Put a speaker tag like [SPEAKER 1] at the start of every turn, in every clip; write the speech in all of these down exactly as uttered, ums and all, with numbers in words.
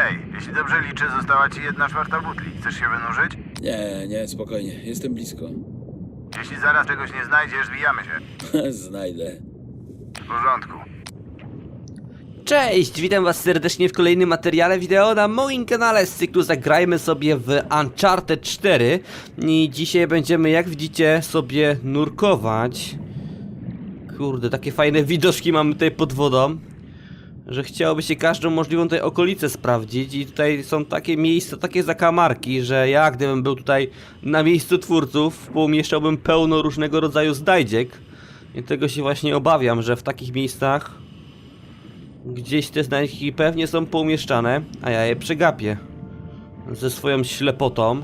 [SPEAKER 1] Hej, jeśli dobrze liczę, została ci jedna czwarta butli. Chcesz się wynurzyć?
[SPEAKER 2] Nie, nie, spokojnie. Jestem blisko.
[SPEAKER 1] Jeśli zaraz czegoś nie znajdziesz, zwijamy się.
[SPEAKER 2] Znajdę.
[SPEAKER 1] W porządku.
[SPEAKER 3] Cześć, witam was serdecznie w kolejnym materiale wideo na moim kanale z cyklu Zagrajmy sobie w Uncharted cztery. I dzisiaj będziemy, jak widzicie, sobie nurkować. Kurde, takie fajne widoczki mamy tutaj pod wodą, że chciałoby się każdą możliwą tutaj okolicę sprawdzić. I tutaj są takie miejsca, takie zakamarki, że ja gdybym był tutaj na miejscu twórców, poumieszczałbym pełno różnego rodzaju znajdziek. I tego się właśnie obawiam, że w takich miejscach gdzieś te znajdźki pewnie są poumieszczane, a ja je przegapię ze swoją ślepotą.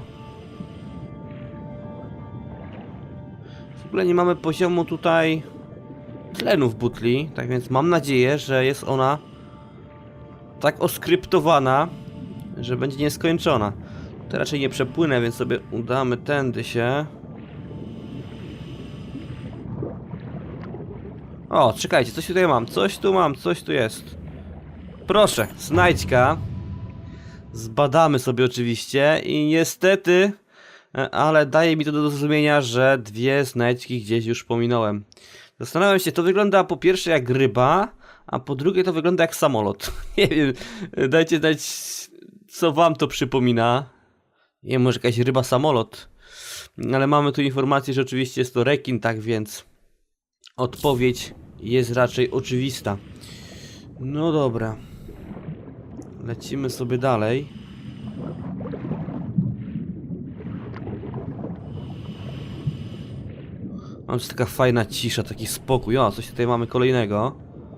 [SPEAKER 3] W ogóle nie mamy poziomu tutaj tlenu w butli, tak więc mam nadzieję, że jest ona tak oskryptowana, że będzie nieskończona. To raczej nie przepłynę, więc sobie udamy tędy się. O, czekajcie, coś tutaj mam, coś tu mam, coś tu jest. Proszę, znajdźka. Zbadamy sobie oczywiście i niestety, ale daje mi to do zrozumienia, że dwie znajdźki gdzieś już pominąłem. Zastanawiam się, to wygląda po pierwsze jak ryba, a po drugie to wygląda jak samolot. Nie wiem, dajcie znać, co wam to przypomina. Nie wiem, może jakaś ryba samolot. Ale mamy tu informację, że oczywiście jest to rekin, tak więc odpowiedź jest raczej oczywista. No dobra. Lecimy sobie dalej. Mam tu taka fajna cisza, taki spokój. O, coś tutaj mamy kolejnego.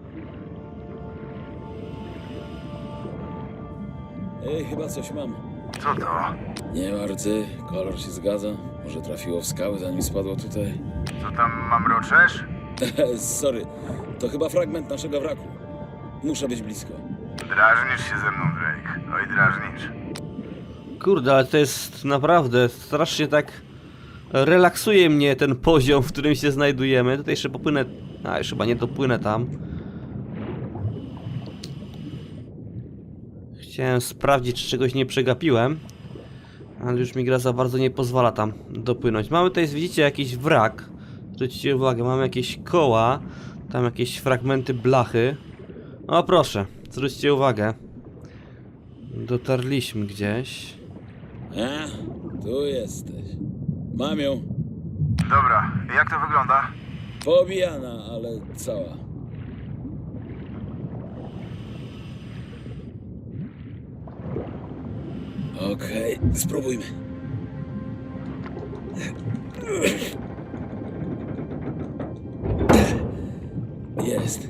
[SPEAKER 2] Ej, chyba coś mam.
[SPEAKER 1] Co to?
[SPEAKER 2] Nie ma rdzy, kolor się zgadza. Może trafiło w skały, zanim spadło tutaj.
[SPEAKER 1] Co tam mamroczesz?
[SPEAKER 2] Sorry, to chyba fragment naszego wraku. Muszę być blisko.
[SPEAKER 1] Drażnisz się ze mną, Drake. Oj, drażnisz.
[SPEAKER 3] Kurde, ale to jest naprawdę strasznie tak relaksuje mnie ten poziom, w którym się znajdujemy. Tutaj jeszcze popłynę. A, już chyba nie dopłynę tam. Chciałem sprawdzić, czy czegoś nie przegapiłem, ale już mi gra za bardzo nie pozwala tam dopłynąć. Mamy tutaj, widzicie, jakiś wrak. Zwróćcie uwagę, mamy jakieś koła, tam jakieś fragmenty blachy. O proszę, zwróćcie uwagę. Dotarliśmy gdzieś.
[SPEAKER 2] A, tu jesteś. Mam ją.
[SPEAKER 1] Dobra, jak to wygląda?
[SPEAKER 2] Poobijana, ale cała. Okej, spróbujmy. Jest.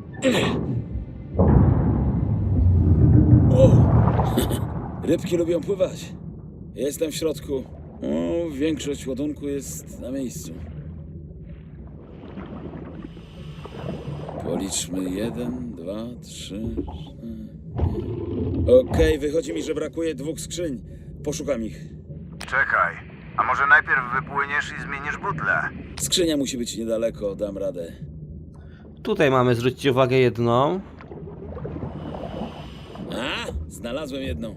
[SPEAKER 2] O! Rybki lubią pływać. Jestem w środku. O, większość ładunku jest na miejscu. Policzmy jeden, dwa, trzy. Okej, wychodzi mi, że brakuje dwóch skrzyń. Poszukam ich.
[SPEAKER 1] Czekaj. A może najpierw wypłyniesz i zmienisz butlę?
[SPEAKER 2] Skrzynia musi być niedaleko, dam radę.
[SPEAKER 3] Tutaj mamy, zwróćcie uwagę, jedną.
[SPEAKER 2] A, znalazłem jedną.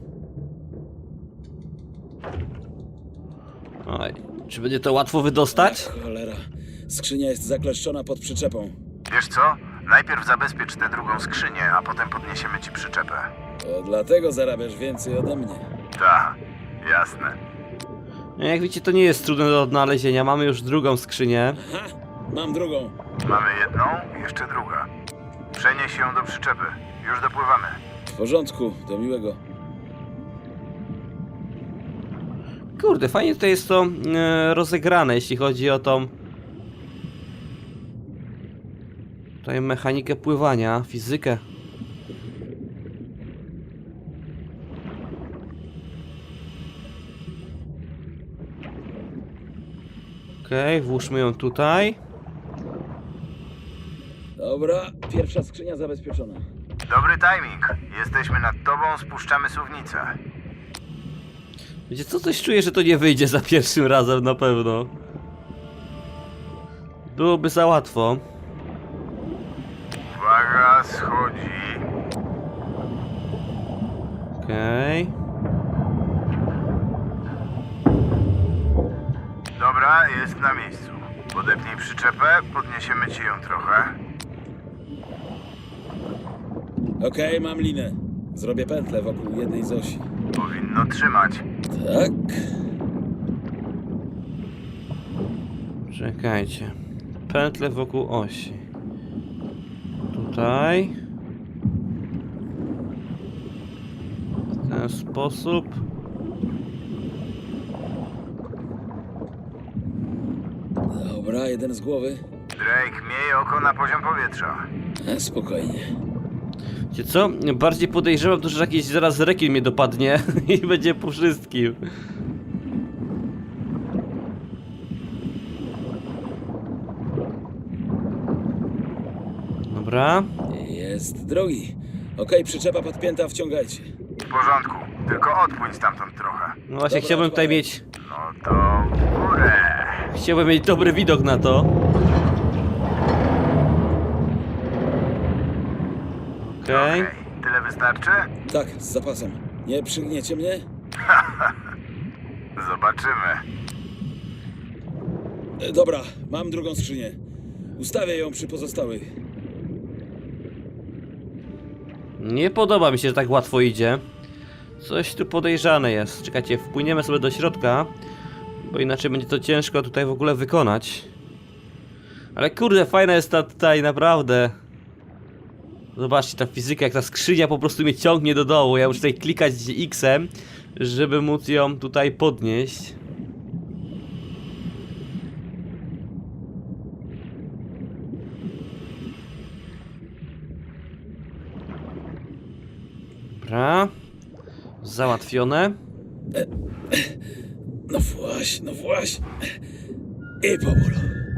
[SPEAKER 3] Oj, czy będzie to łatwo wydostać?
[SPEAKER 2] Ach, cholera. Skrzynia jest zakleszczona pod przyczepą.
[SPEAKER 1] Wiesz co? Najpierw zabezpiecz tę drugą skrzynię, a potem podniesiemy ci przyczepę.
[SPEAKER 2] To dlatego zarabiasz więcej ode mnie.
[SPEAKER 1] Ta, jasne.
[SPEAKER 3] No, jak widzicie, to nie jest trudne do odnalezienia. Mamy już drugą skrzynię.
[SPEAKER 2] Aha, mam drugą.
[SPEAKER 1] Mamy jedną, jeszcze druga. Przenieś ją do przyczepy. Już dopływamy.
[SPEAKER 2] W porządku, do miłego.
[SPEAKER 3] Kurde, fajnie tutaj jest to e, rozegrane, jeśli chodzi o tą tutaj mechanikę pływania, fizykę. Okej, okay, włóżmy ją tutaj.
[SPEAKER 2] Dobra, pierwsza skrzynia zabezpieczona.
[SPEAKER 1] Dobry timing. Jesteśmy nad tobą, spuszczamy suwnicę.
[SPEAKER 3] Wiecie co, coś czuję, że to nie wyjdzie za pierwszym razem na pewno. Byłoby za łatwo.
[SPEAKER 1] Uwaga, schodzi.
[SPEAKER 3] Okej.
[SPEAKER 1] Dobra, jest na miejscu. Podepnij przyczepę, podniesiemy ci ją trochę.
[SPEAKER 2] Okej, mam linę. Zrobię pętlę wokół jednej z osi.
[SPEAKER 1] Powinno trzymać.
[SPEAKER 2] Tak.
[SPEAKER 3] Czekajcie. Pętle wokół osi. Tutaj. W ten sposób.
[SPEAKER 2] Dobra, jeden z głowy.
[SPEAKER 1] Drake, miej oko na poziom powietrza.
[SPEAKER 2] E, spokojnie.
[SPEAKER 3] Wiecie co? Bardziej podejrzewam to, że jakiś zaraz rekin mnie dopadnie i będzie po wszystkim. Dobra.
[SPEAKER 2] Jest drogi. Okej, przyczepa podpięta, wciągajcie.
[SPEAKER 1] W porządku, tylko odpłyń stamtąd trochę.
[SPEAKER 3] No właśnie,
[SPEAKER 2] Dobra,
[SPEAKER 3] chciałbym tutaj
[SPEAKER 2] odpalaj.
[SPEAKER 3] mieć...
[SPEAKER 1] No to w górę.
[SPEAKER 3] Chciałbym mieć dobry widok na to. Okej.
[SPEAKER 1] Okej, tyle wystarczy?
[SPEAKER 2] Tak, z zapasem. Nie przygniecie mnie?
[SPEAKER 1] Zobaczymy.
[SPEAKER 2] E, dobra, mam drugą skrzynię. Ustawię ją przy pozostałych.
[SPEAKER 3] Nie podoba mi się, że tak łatwo idzie. Coś tu podejrzane jest. Czekajcie, wpłyniemy sobie do środka, bo inaczej będzie to ciężko tutaj w ogóle wykonać. Ale kurde, fajna jest ta tutaj, naprawdę. Zobaczcie, ta fizyka, jak ta skrzynia po prostu mnie ciągnie do dołu. Ja muszę tutaj klikać X-em, żeby móc ją tutaj podnieść. Dobra. Załatwione.
[SPEAKER 2] No właśnie, no właśnie. I powolu.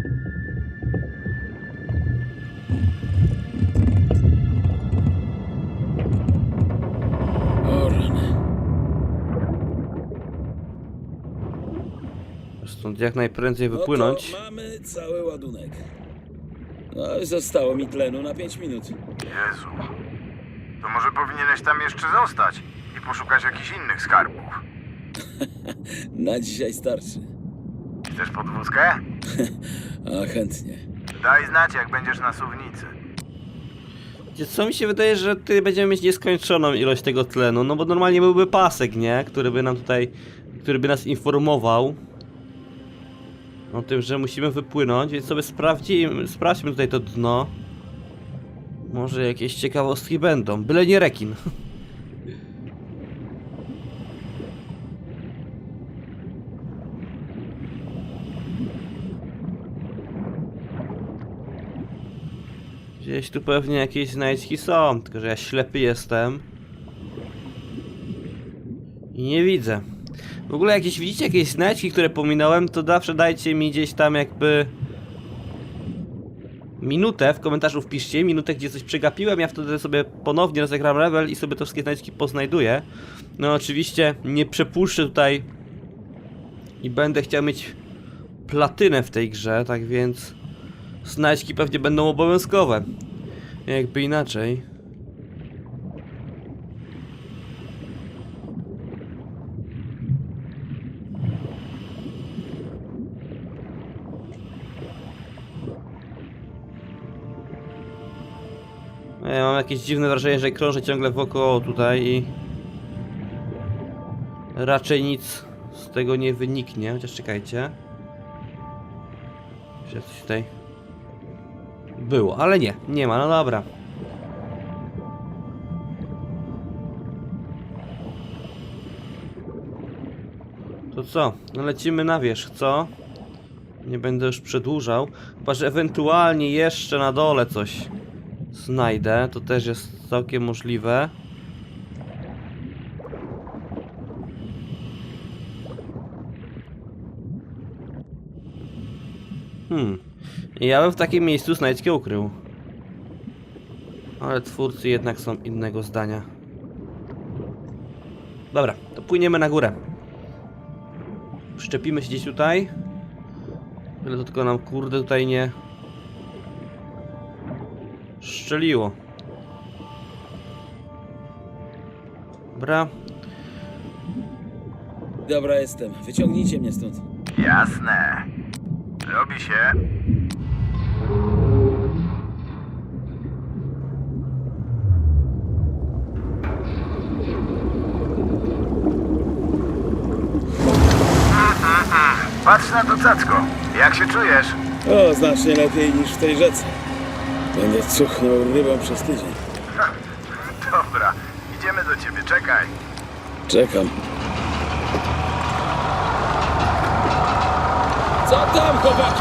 [SPEAKER 2] O rany.
[SPEAKER 3] Stąd jak najprędzej wypłynąć.
[SPEAKER 2] No to mamy cały ładunek. No i zostało mi tlenu na pięć minut.
[SPEAKER 1] Jezu. To może powinieneś tam jeszcze zostać i poszukać jakichś innych skarbów.
[SPEAKER 2] Na dzisiaj starczy.
[SPEAKER 1] Chcesz podwózkę?
[SPEAKER 2] A chętnie.
[SPEAKER 1] Daj znać, jak będziesz na suwnicy.
[SPEAKER 3] Wiecie co, mi się wydaje, że tutaj będziemy mieć nieskończoną ilość tego tlenu, no bo normalnie byłby pasek, nie? Który by nam tutaj, który by nas informował o tym, że musimy wypłynąć, więc sobie sprawdzimy, sprawdźmy tutaj to dno. Może jakieś ciekawostki będą, byle nie rekin. Gdzieś tu pewnie jakieś znajdźki są, tylko że ja ślepy jestem i nie widzę. W ogóle jakieś widzicie jakieś znajdźki, które pominąłem, to zawsze dajcie mi gdzieś tam jakby minutę, w komentarzu wpiszcie minutę, gdzie coś przegapiłem, ja wtedy sobie ponownie rozegram level i sobie te wszystkie znajdźki poznajduję. No oczywiście nie przepuszczę tutaj i będę chciał mieć platynę w tej grze, tak więc znajdźki pewnie będą obowiązkowe. Jakby inaczej. Ja mam jakieś dziwne wrażenie, że krążę ciągle wokoło tutaj i raczej nic z tego nie wyniknie, chociaż czekajcie. Czy coś tutaj było, ale nie, nie ma, no dobra. To co? No lecimy na wierzch, co? Nie będę już przedłużał. Chyba, że ewentualnie jeszcze na dole coś znajdę. To też jest całkiem możliwe. Hmm. Ja bym w takim miejscu znajdźkę ukrył. Ale twórcy jednak są innego zdania. Dobra, to płyniemy na górę. Przyczepimy się gdzieś tutaj. Byle to tylko nam kurde tutaj nie szczeliło. Dobra.
[SPEAKER 2] Dobra, jestem. Wyciągnijcie mnie stąd.
[SPEAKER 1] Jasne. Robi się. Patrz na to cacko. Jak się czujesz?
[SPEAKER 2] O, znacznie lepiej niż w tej rzece. Będę cuchnął rybą przez tydzień.
[SPEAKER 1] Dobra, idziemy do ciebie, czekaj.
[SPEAKER 2] Czekam. Co tam, chłopaki?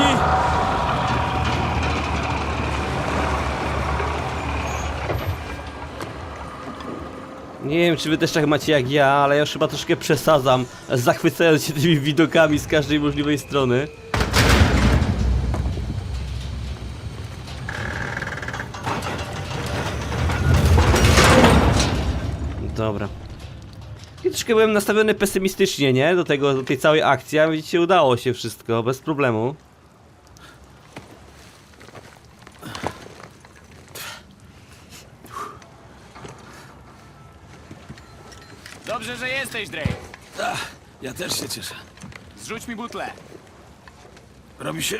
[SPEAKER 3] Nie wiem, czy wy też tak macie jak ja, ale ja już chyba troszkę przesadzam, zachwycając się tymi widokami z każdej możliwej strony. Dobra. I troszkę byłem nastawiony pesymistycznie, nie? Do tego, do tej całej akcji, a widzicie, udało się wszystko, bez problemu.
[SPEAKER 4] Dobrze, że jesteś, Drake.
[SPEAKER 2] Ach, ja też się cieszę.
[SPEAKER 4] Zrzuć mi butlę.
[SPEAKER 2] Robi się...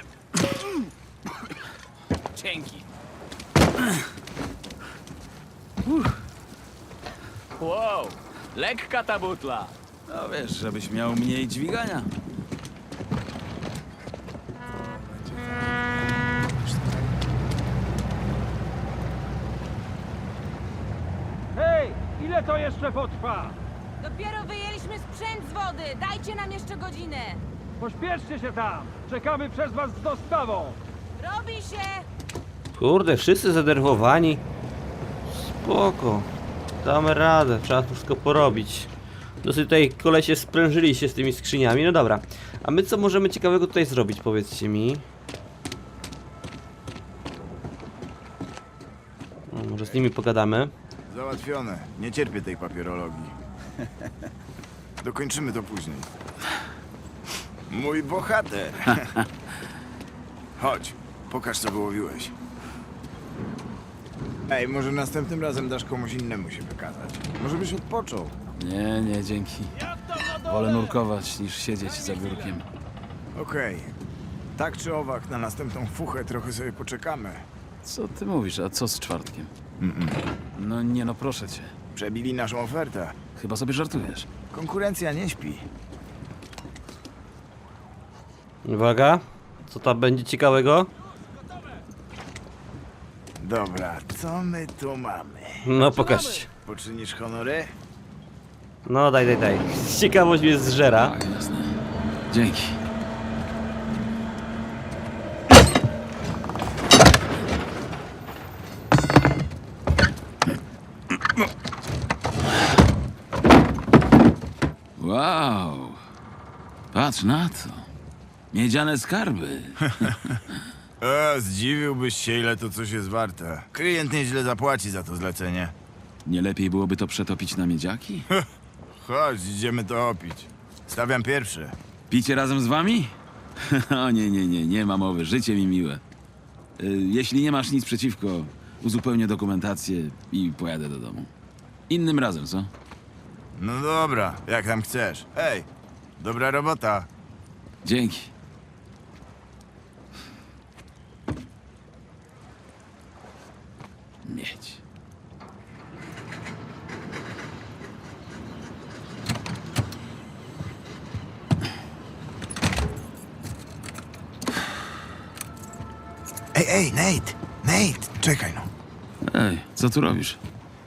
[SPEAKER 4] Dzięki. Wow, lekka ta butla.
[SPEAKER 5] No wiesz, żebyś miał mniej dźwigania.
[SPEAKER 6] Hej, ile to jeszcze potrwa?
[SPEAKER 7] Dopiero wyjęliśmy sprzęt z wody! Dajcie nam jeszcze godzinę!
[SPEAKER 6] Pośpieszcie się tam! Czekamy przez was z dostawą!
[SPEAKER 7] Robi się!
[SPEAKER 3] Kurde, wszyscy zdenerwowani. Spoko. Damy radę, trzeba to wszystko porobić. Dosyć tutaj kolesie sprężyli się z tymi skrzyniami, no dobra. A my co możemy ciekawego tutaj zrobić, powiedzcie mi? No, może z nimi pogadamy.
[SPEAKER 1] Załatwione. Nie cierpię tej papierologii. Dokończymy to później. Mój bohater. Chodź, pokaż co wyłowiłeś. Ej, może następnym razem dasz komuś innemu się wykazać. Może byś odpoczął.
[SPEAKER 5] Nie, nie, dzięki. Wolę nurkować niż siedzieć za biurkiem.
[SPEAKER 1] Okej. Tak czy owak, na następną fuchę trochę sobie poczekamy.
[SPEAKER 5] Co ty mówisz, a co z czwartkiem? No nie no, proszę cię.
[SPEAKER 1] Przebili naszą ofertę.
[SPEAKER 5] Chyba sobie żartujesz.
[SPEAKER 1] Konkurencja nie śpi.
[SPEAKER 3] Uwaga, co tam będzie ciekawego?
[SPEAKER 1] Dobra, co my tu mamy?
[SPEAKER 3] No pokażcie.
[SPEAKER 1] Poczynisz honory?
[SPEAKER 3] No daj, daj, daj. Ciekawość mnie zżera.
[SPEAKER 5] Tak, jasne. Dzięki. Wow. Patrz na to. Miedziane skarby.
[SPEAKER 1] E, zdziwiłbyś się, ile to coś jest warte. Klient nieźle zapłaci za to zlecenie.
[SPEAKER 5] Nie lepiej byłoby to przetopić na miedziaki?
[SPEAKER 1] Chodź, idziemy to opić. Stawiam pierwszy.
[SPEAKER 5] Picie razem z wami? O nie, nie, nie, nie ma mowy. Życie mi miłe. Y, Jeśli nie masz nic przeciwko, uzupełnię dokumentację i pojadę do domu. Innym razem, co?
[SPEAKER 1] No dobra, jak tam chcesz. Ej, dobra robota.
[SPEAKER 5] Dzięki. Mieć.
[SPEAKER 1] Ej, ej, Nate! Nate, czekaj no.
[SPEAKER 5] Ej, co tu robisz?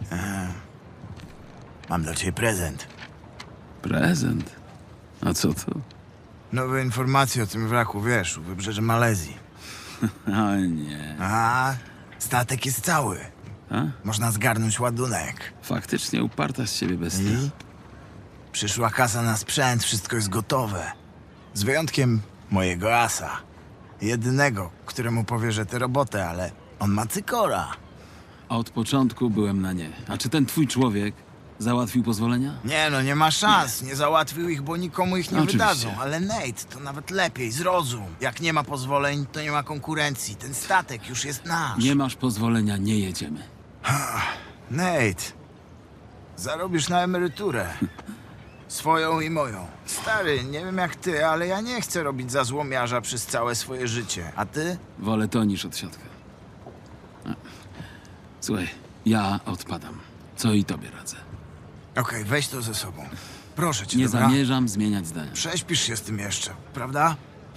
[SPEAKER 1] Mam dla ciebie prezent.
[SPEAKER 5] Prezent? A co to?
[SPEAKER 1] Nowe informacje o tym wraku, wiesz, u wybrzeży Malezji.
[SPEAKER 5] O nie.
[SPEAKER 1] A, statek jest cały.
[SPEAKER 5] A?
[SPEAKER 1] Można zgarnąć ładunek.
[SPEAKER 5] Faktycznie uparta z ciebie bestia.
[SPEAKER 1] I? Przyszła kasa na sprzęt, wszystko jest gotowe. Z wyjątkiem mojego asa. Jedynego, któremu powierzę tę robotę, ale on ma cykora.
[SPEAKER 5] Od początku byłem na nie. A czy ten twój człowiek załatwił pozwolenia?
[SPEAKER 1] Nie no, nie ma szans. Nie załatwił ich, bo nikomu ich nie
[SPEAKER 5] Oczywiście.
[SPEAKER 1] wydadzą. Ale Nate, to nawet lepiej, zrozum. Jak nie ma pozwoleń, to nie ma konkurencji. Ten statek już jest nasz.
[SPEAKER 5] Nie masz pozwolenia, nie jedziemy.
[SPEAKER 1] Nate, Zarobisz na emeryturę. Swoją i moją. Stary, nie wiem jak ty, ale ja nie chcę robić za złomiarza przez całe swoje życie. A ty?
[SPEAKER 5] Wolę to niż odsiadkę. A. Słuchaj, ja odpadam. Co i tobie radzę.
[SPEAKER 1] Okej, weź to ze sobą. Proszę cię,
[SPEAKER 5] Nie
[SPEAKER 1] dobra?
[SPEAKER 5] zamierzam zmieniać zdania.
[SPEAKER 1] Prześpisz się z tym jeszcze, prawda?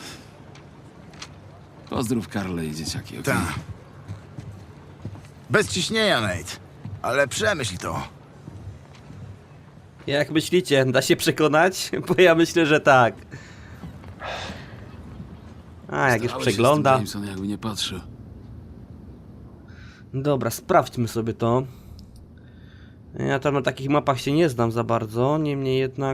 [SPEAKER 5] Pozdrów Karle i dzieciaki, okej?
[SPEAKER 1] Tak. Bez ciśnienia, Nate. Ale przemyśl to.
[SPEAKER 3] Jak myślicie, da się przekonać? Bo ja myślę, że tak. A, jak już
[SPEAKER 5] Starałeś się z
[SPEAKER 3] przegląda.
[SPEAKER 5] tym Jameson, jakby nie patrzył.
[SPEAKER 3] Dobra, sprawdźmy sobie to. Ja tam na takich mapach się nie znam za bardzo, niemniej jednak...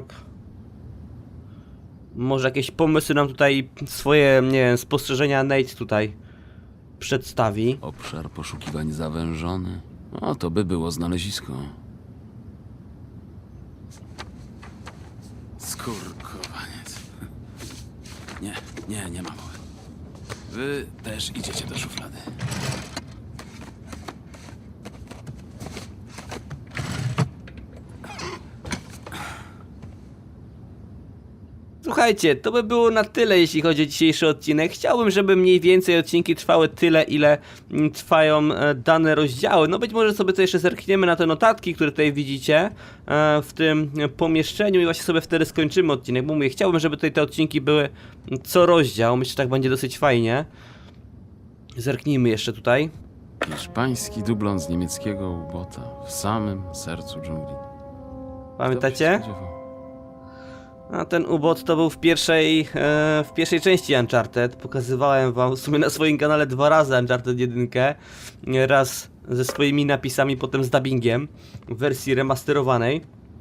[SPEAKER 3] Może jakieś pomysły nam tutaj, swoje, nie wiem, spostrzeżenia Nate tutaj przedstawi.
[SPEAKER 5] Obszar poszukiwań zawężony. O, to by było znalezisko. Skurkowaniec. Nie, nie, nie ma mowy. Wy też idziecie do szuflady.
[SPEAKER 3] Słuchajcie, to by było na tyle, jeśli chodzi o dzisiejszy odcinek. Chciałbym, żeby mniej więcej odcinki trwały tyle, ile mm, trwają e, dane rozdziały. No być może sobie to jeszcze zerkniemy na te notatki, które tutaj widzicie e, w tym pomieszczeniu i właśnie sobie wtedy skończymy odcinek. Bo mówię, chciałbym, żeby tutaj te odcinki były co rozdział. Myślę, że tak będzie dosyć fajnie. Zerknijmy jeszcze tutaj.
[SPEAKER 5] Hiszpański dublon z niemieckiego ubota w samym sercu dżungli. Kto by
[SPEAKER 3] Pamiętacie?
[SPEAKER 5] się spodziewał?
[SPEAKER 3] A ten ubot to był w pierwszej, e, w pierwszej części Uncharted. Pokazywałem wam w sumie na swoim kanale dwa razy Uncharted jeden. Raz ze swoimi napisami, potem z dubbingiem w wersji remasterowanej.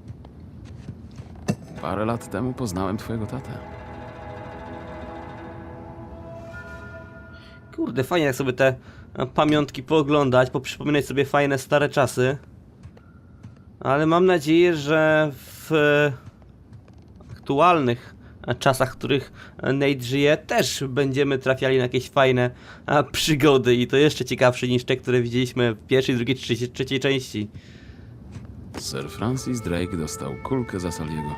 [SPEAKER 5] Parę lat temu poznałem twojego tatę.
[SPEAKER 3] Kurde, fajnie jak sobie te e, pamiątki pooglądać, poprzypominać sobie fajne stare czasy. Ale mam nadzieję, że w e, aktualnych czasach, w których Nate żyje, też będziemy trafiali na jakieś fajne a, przygody i to jeszcze ciekawsze niż te, które widzieliśmy w pierwszej, drugiej, trzeciej, trzeciej części.
[SPEAKER 5] Sir Francis Drake dostał kulkę za Saliego.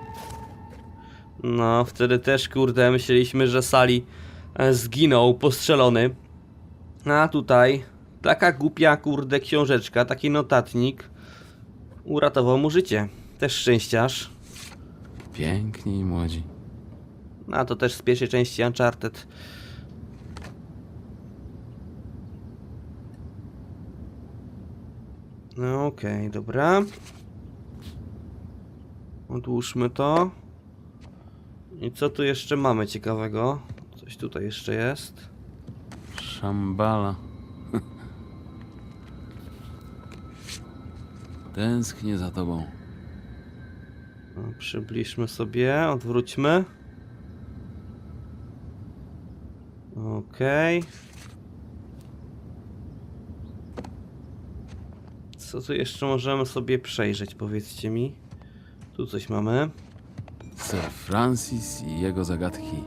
[SPEAKER 3] No, wtedy też, kurde, myśleliśmy, że Sally e, zginął postrzelony. A tutaj taka głupia, kurde, książeczka, taki notatnik uratował mu życie. Też szczęściarz.
[SPEAKER 5] Piękni i młodzi.
[SPEAKER 3] A to też z pierwszej części Uncharted. No okej, okay, dobra. Odłóżmy to. I co tu jeszcze mamy ciekawego? Coś tutaj jeszcze jest.
[SPEAKER 5] Szambala. Tęsknię za tobą.
[SPEAKER 3] No, przybliżmy sobie, odwróćmy. Okej. Okay. Co tu jeszcze możemy sobie przejrzeć, powiedzcie mi. Tu coś mamy.
[SPEAKER 5] Sir Francis i jego zagadki.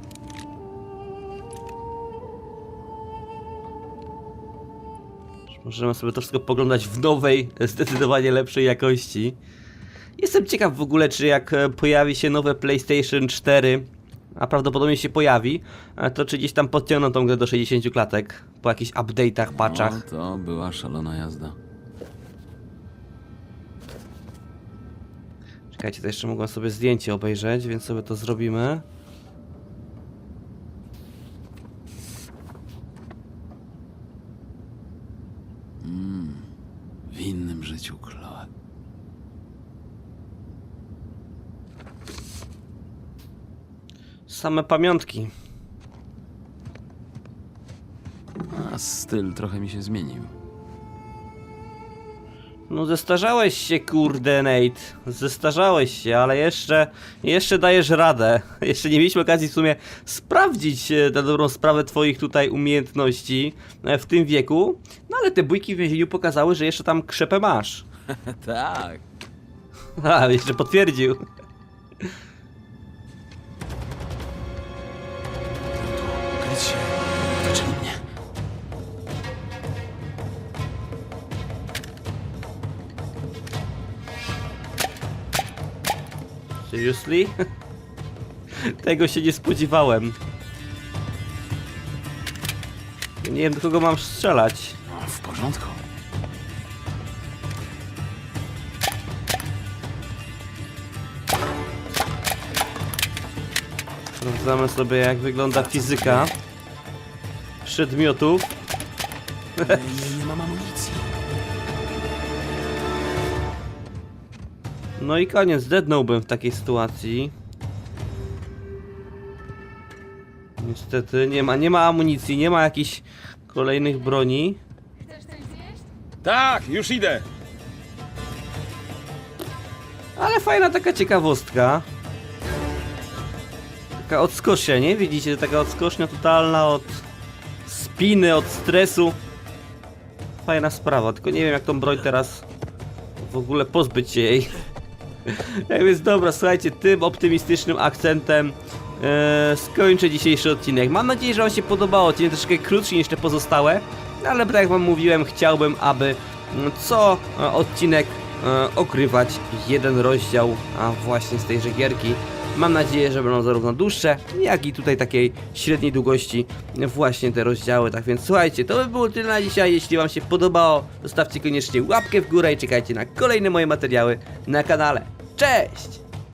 [SPEAKER 3] Możemy sobie to wszystko poglądać w nowej, zdecydowanie lepszej jakości. Jestem ciekaw w ogóle, czy jak e, pojawi się nowe PlayStation cztery, a prawdopodobnie się pojawi, e, to czy gdzieś tam podciągną tą grę do sześćdziesięciu klatek po jakichś update'ach, patchach.
[SPEAKER 5] No, to była szalona jazda.
[SPEAKER 3] Czekajcie, to jeszcze mogłem sobie zdjęcie obejrzeć, więc sobie to zrobimy.
[SPEAKER 5] W innym życiu, Chloe.
[SPEAKER 3] Same pamiątki.
[SPEAKER 5] A styl trochę mi się zmienił.
[SPEAKER 3] No zestarzałeś się, kurde, Nate. Zestarzałeś się, ale jeszcze, jeszcze dajesz radę. Jeszcze nie mieliśmy okazji w sumie sprawdzić e, na dobrą sprawę twoich tutaj umiejętności e, w tym wieku. No ale te bójki w więzieniu pokazały, że jeszcze tam krzepę masz.
[SPEAKER 5] Tak.
[SPEAKER 3] A, jeszcze potwierdził.
[SPEAKER 5] Kryć się. Zaczęli mnie.
[SPEAKER 3] Seriously? Tego się nie spodziewałem. Nie wiem, do kogo mam strzelać.
[SPEAKER 1] No, w porządku.
[SPEAKER 3] Sprawdzamy sobie, jak wygląda fizyka przedmiotów.
[SPEAKER 1] Nie, nie mam amunicji.
[SPEAKER 3] No i koniec, zdednąłbym w takiej sytuacji. Niestety nie ma, nie ma amunicji, nie ma jakichś kolejnych broni.
[SPEAKER 2] Tak, już idę.
[SPEAKER 3] Ale fajna taka ciekawostka. Taka odskocznia, nie? Widzicie, taka odskocznia totalna od spiny, od stresu. Fajna sprawa, tylko nie wiem jak tą broń teraz w ogóle pozbyć się jej. Tak więc dobra, słuchajcie, tym optymistycznym akcentem e, skończę dzisiejszy odcinek. Mam nadzieję, że wam się podobało. Odcinek troszkę krótszy niż te pozostałe, ale tak jak wam mówiłem, chciałbym, aby mm, co e, odcinek e, okrywać jeden rozdział, a właśnie z tejże gierki. Mam nadzieję, że będą zarówno dłuższe, jak i tutaj takiej średniej długości właśnie te rozdziały. Tak więc słuchajcie, to by było tyle na dzisiaj. Jeśli wam się podobało, zostawcie koniecznie łapkę w górę i czekajcie na kolejne moje materiały na kanale. Cześć!